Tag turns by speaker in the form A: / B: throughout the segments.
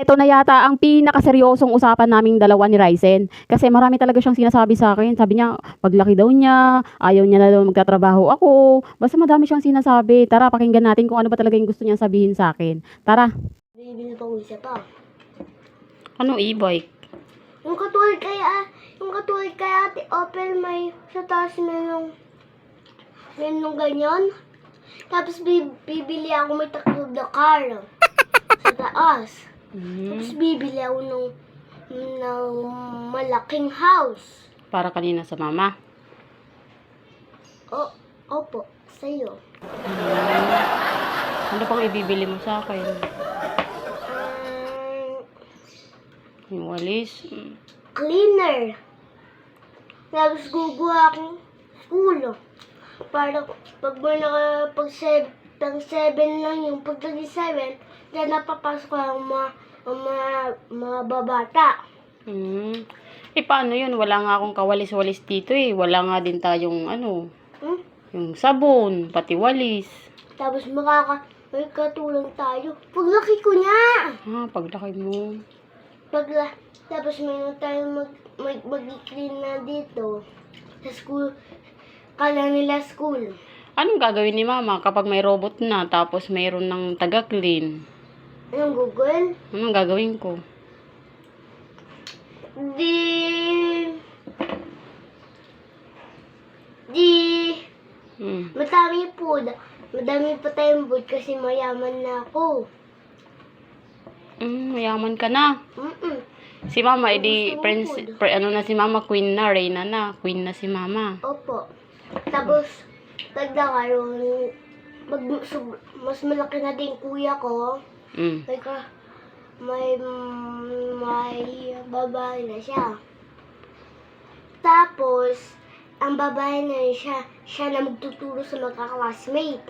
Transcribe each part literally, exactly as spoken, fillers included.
A: ito na yata ang pinakaseryosong usapan naming dalawa ni Ryzen. Kasi marami talaga siyang sinasabi sa akin. Sabi niya, paglaki daw niya, ayaw niya na daw magtatrabaho ako. Basta madami siyang sinasabi. Tara, pakinggan natin kung ano ba talaga yung gusto niyang sabihin sa akin. Tara.
B: Bibili pa ko isa pa.
A: Anong e-bike?
B: Yung katulad kay, ah, yung katulad kay Ate Opel, may sa taas merong, merong ganyan. Tapos bi- bibili ako may takbo na car sa taas.
A: Mm.
B: Tapos bibili ako ng, ng malaking house.
A: Para kanina sa mama.
B: O, opo, sa'yo.
A: Mm. Ano pang ibibili mo sa akin?
B: Um,
A: Yung walis?
B: cleaner. Tapos guguha akong school. Para pag mo naka, pag seven, pag seven lang yung pag seven, dyan napapasok ang mga, ang mga, mga babata.
A: Hmm. Eh, paano yun? Wala nga akong kawalis-walis dito eh. Wala nga din tayong ano,
B: Hmm?
A: yung sabon, pati walis.
B: Tapos makaka, may katulong tayo. Paglaki ko niya!
A: Ah, paglaki mo.
B: Pagla, tapos mayroon tayong mag, mag, mag-clean na dito. Sa school, kala nila school.
A: Anong gagawin ni mama kapag may robot na tapos mayroon ng taga-clean?
B: Anong Google?
A: Anong gagawin ko?
B: Di... Di...
A: Hmm.
B: Madami po. Madami pa tayong food kasi mayaman na ako.
A: Mm, mayaman ka na.
B: Mm-mm.
A: Si mama, edi,
B: Gusto mo
A: prince,
B: food?
A: pre, ano na si mama, queen na, reyna na. Queen na si mama.
B: Opo. Tapos, tagdakaroon, mag, sub- mas malaki na din kuya ko.
A: Mm.
B: May, ka, may, may babae na siya. Tapos, ang babae na yun siya, siya na magtuturo sa mga classmate.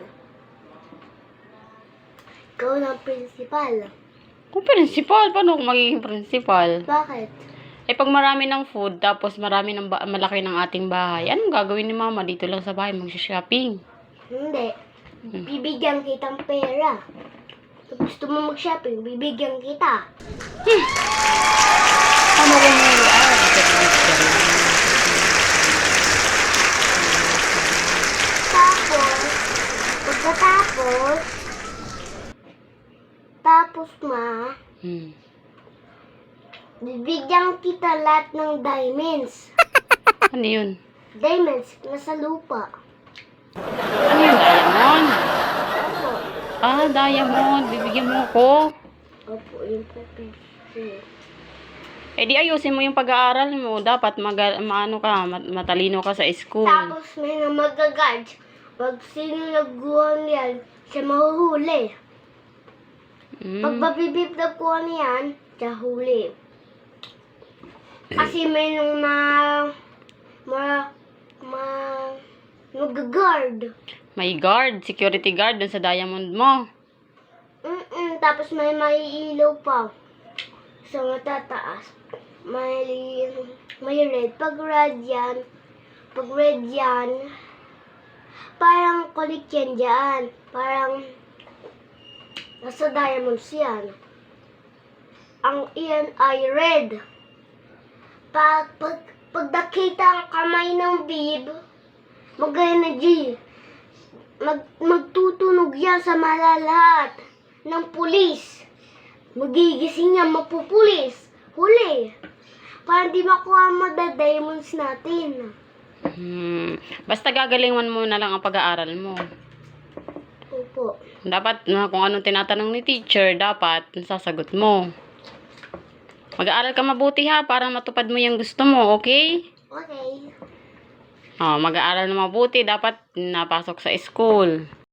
B: Ikaw na ang principal.
A: Kung principal, paano ako magiging principal?
B: Bakit?
A: Eh, pag marami ng food, tapos marami ng ba- malaki ng ating bahay, anong gagawin ni mama? Dito lang sa bahay, mag-shopping.
B: Hindi.
A: Hmm.
B: Bibigyan kitang pera. Kung gusto mo mag-shopping, bibigyan kita.
A: Ano ko mo? Ah,
B: Tapos, pagkatapos, tapos ma,
A: hmm.
B: bibigyan kita lahat ng diamonds.
A: Ano yun?
B: Diamonds, nasa lupa.
A: Ano yun? Diamond?
B: Opo.
A: Ah, diamond. Bibigyan mo ako.
B: Opo, yung pepper.
A: Eh, di ayusin mo yung pag-aaral mo. Dapat mag maano ka, mat- matalino ka sa school.
B: Tapos may na magagad. Pag sino nagkuha niyan, siya mahuhuli.
A: Hmm.
B: Pag mabibib nagkuha niyan, siya huli. Kasi may nung ma... ma... ma... mag-guard.
A: May guard, security guard dun sa diamond mo.
B: Mm-mm, tapos may maiilaw pa. Sa matataas. May... may red. Pag red yan, pag red yan, parang kulit yan dyan. Parang nasa diamonds yan. Ang iyan ay red. Pag, pag, pag nakita ang kamay ng bib, mag-energy. Mag, magtutunog yan sa malalahat ng pulis. Magigising yan, mapupulis. Huli. Para di makuha mo the diamonds natin.
A: Hmm. Basta gagalingan mo na lang ang pag-aaral mo.
B: Opo.
A: Dapat, na kung anong tinatanong ni teacher, dapat sasagot mo. Mag-aaral ka mabuti ha, para matupad mo yung gusto mo, okay?
B: Okay.
A: Oh, mag-aaral na mabuti, dapat napasok sa school.